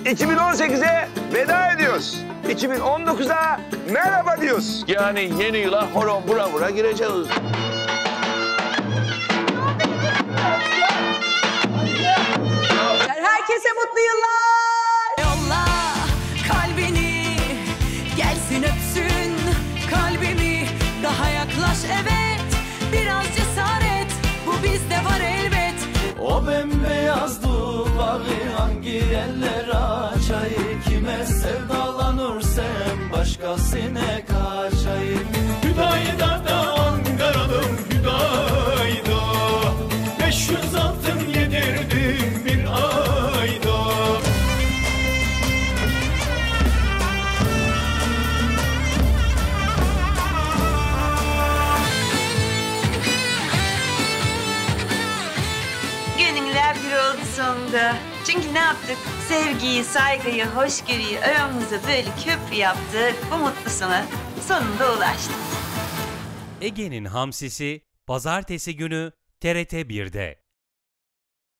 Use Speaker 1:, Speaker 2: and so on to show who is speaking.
Speaker 1: 2018'e veda ediyoruz. 2019'a merhaba diyoruz. Yani yeni yıla horon bura bura gireceğiz.
Speaker 2: Herkese mutlu yıllar.
Speaker 3: Yolla kalbini, gelsin öpsün kalbimi. Daha yaklaş evet, biraz cesaret, bu bizde var elbet.
Speaker 4: O bembeyaz duvarı hangi eller açayım? Kime sevdalanırsam başkasına kaçayım. Hüdayda da Ankara'nın Hüdayda, 500 altın yedirdim bir ayda.
Speaker 2: Gönüller bir oldu sonunda. Çünkü ne yaptık? Sevgiyi, saygıyı, hoşgörüyü aramıza böyle köprü yaptık. Bu mutlu sona sonunda ulaştık.
Speaker 5: Ege'nin Hamsisi Pazartesi günü TRT 1'de.